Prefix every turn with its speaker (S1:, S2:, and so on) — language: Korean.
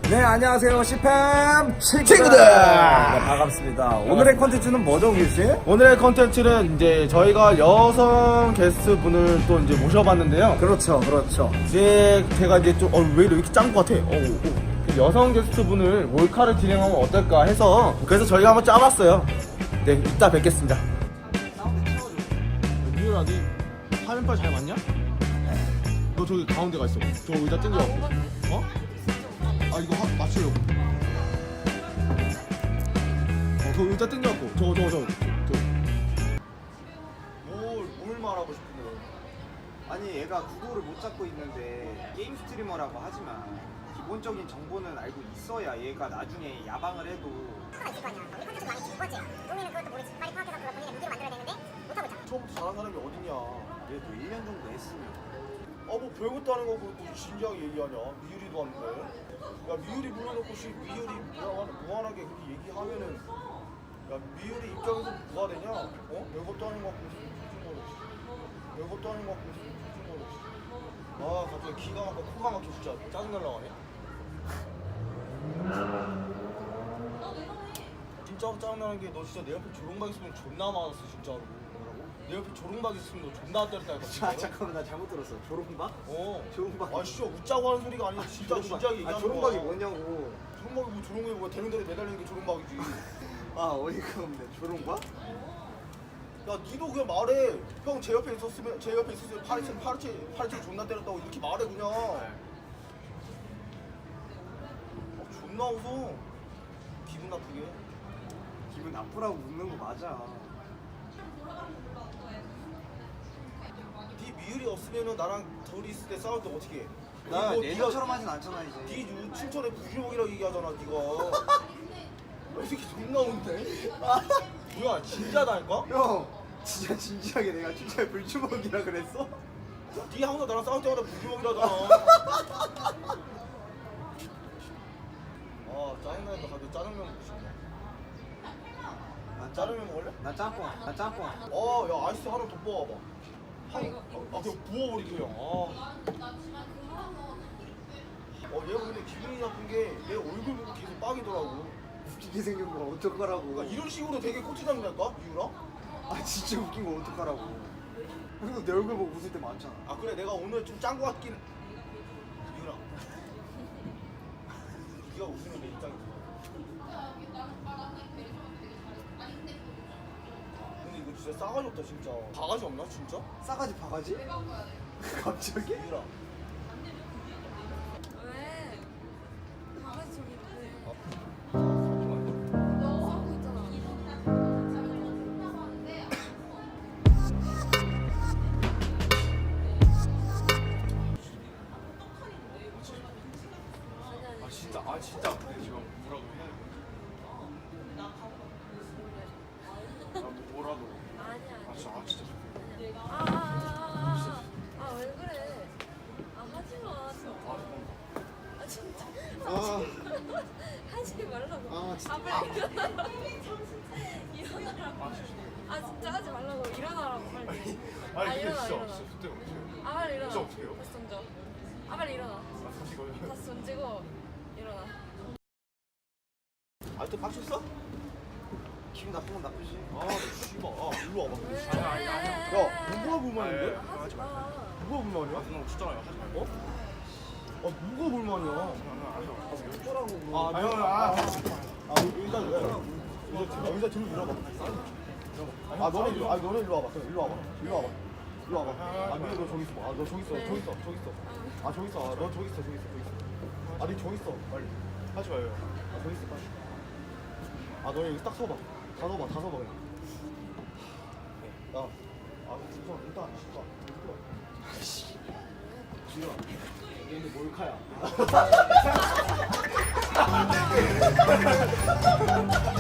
S1: 네, 안녕하세요. 시팸
S2: 친구들!
S1: 네, 반갑습니다. 오늘의 컨텐츠는 뭐죠, 길씨?
S2: 오늘의 컨텐츠는 이제 저희가 여성 게스트 분을 또 이제 모셔봤는데요.
S1: 그렇죠, 그렇죠.
S2: 이제 제가 이제 좀, 왜 이렇게 짠 것 같아? 여성 게스트 분을 몰카를 진행하면 어떨까 해서 그래서 저희가 한번 짜봤어요. 네, 이따 뵙겠습니다. 미유라, 니 화면빨 잘 맞냐? 너 저기 가운데 가 있어. 저 의자 땡겨갖고. 어? 아, 이거 맞추려고. 그 의자 땡겨갖고. 뭘 말하고 싶은데?
S3: 아니 얘가 구도를 못 잡고 있는데 게임 스트리머라고 하지만 기본적인 정보는 알고 있어야 얘가 나중에 야방을 해도
S4: 가 있을 거 아니야. 우리 컨텐츠 많이 준 거지. 동이는 그것도 모르지. 빨리 파악해서 그걸 본인의 무기로 만들어야 되는데 못하고 있잖아.
S2: 처음부터 잘하는 사람이 어딨냐?
S3: 그래도 1년 정도 했으면
S2: 뭐 별것도 아닌 거 그것도 진지하게 얘기하냐? 미유리도 하는데. 야, 미유리 불러놓고 미유리 무한하게 그렇게 얘기하면은 야, 미유리 입장에서 뭐가 되냐? 별것도 아닌 거 같고 별것도 아닌 거 같고 아, 갑자기 기가 막혀 코가 막혀 진짜 짜증날라 하네. 진짜 짜증나는 게 너 진짜 내 옆에 조롱박 있으면 존나 많았어 진짜로. 내 옆에 조롱박 있으면 너 존나 때렸다니까.
S3: 아 잠깐만 나 잘못 들었어. 조롱박? 조롱박.
S2: 아 진짜 웃자고 하는 소리가 아니라 진짜 진지하게 얘기하는 거야.
S3: 조롱박이 뭐냐고.
S2: 조롱박이 뭐 조롱이 뭐야. 되는 대로 매달리는 게 조롱박이지.
S3: 아 어이가 없네. 조롱박?
S2: 야 니도 그냥 말해. 형 제 옆에 있었으면 파리채 존나 때렸다고 이렇게 말해 그냥. 존나 웃어. 기분 나쁘게.
S3: 기분 나쁘라고 묻는 거 맞아.
S2: 네 미율이 없으면은 나랑 둘이 있을 때 싸울 때 어떻게 해?
S3: 나
S2: 그리고
S3: 예전처럼 하진 않잖아 이제.
S2: 네 춘천에 부주먹이라고 얘기하잖아 네가. 이 새끼 존나 웃네. 뭐야 진짜다니까?
S3: 형 진짜 진지하게 내가 진짜 불주먹이라 그랬어?
S2: 네 항상 나랑 싸울 때마다 부주먹이라잖아. 아 짜증나니까 갑자기 짜장면 먹고 싶네. 짜장면 먹을래?
S3: 나 짬뽕.
S2: 야 아이스 하나 더 뽑아봐. 그냥 부어버리게 그냥. 얘가 근데 기분이 나쁜 게 내 얼굴 보고 계속 빡이더라고.
S3: 웃기게 생긴 거 어떡하라고.
S2: 그러니까 이런 식으로 되게 꼬치장이랄까? 이유라?
S3: 아 진짜 웃긴 거 어떡하라고. 그리고 내 얼굴 보고 웃을 때 많잖아.
S2: 아 그래 내가 오늘 좀 짠 거 같긴. 이유라. 네가 웃으면 내 입장이 좋아. 근데 이거 진짜 싸가지 없다 진짜. 바가지 없나 진짜?
S3: 싸가지 바가지? 갑자기?
S2: 이유라.
S5: 왜? 강아지 저기 있대.
S2: 잠시만요.
S5: 싸우고 있잖아.
S2: 진짜 근데 지금 뭐라고 해야 돼? 뭐라도.
S5: 아니야.
S2: 진짜.
S5: 왜 그래? 하지 마, 진짜.
S3: 아,
S5: 하지 말라고.
S3: 진짜.
S5: 빨리 일어나라고. 일어나라고. 진짜 하지 말라고. 일어나라고, 빨리. 일어나.
S2: 그때 어떻게
S5: 빨리 일어나.
S2: 진짜 어떡해요?
S5: 다시 던져. 빨리 일어나.
S2: 다시 거요?
S5: 다시 던지고, 일어나.
S2: 또 빡쳤어?
S3: 기분 나쁘면 나쁘지.
S2: 씨발. 일로 와봐.
S5: 야,
S2: 누가 불만인데?
S5: 하지 마.
S2: 누가 불만이야?
S6: 너무 춥잖아요. 하지 말고.
S2: 누가 불만이야? 일단 들고 밀어봐. 너네 일로 와봐. 일로 와봐. 미래 너 저기 있어. 너 저기 있어. 저기 있어. 너 저기 있어. 네 저기 있어. 빨리.
S6: 하지 마요.
S2: 저기 있어. 빨리. 너네 여기 딱 서봐. 다 서봐 그냥. 야, 일단 지금 얘네 몰카야.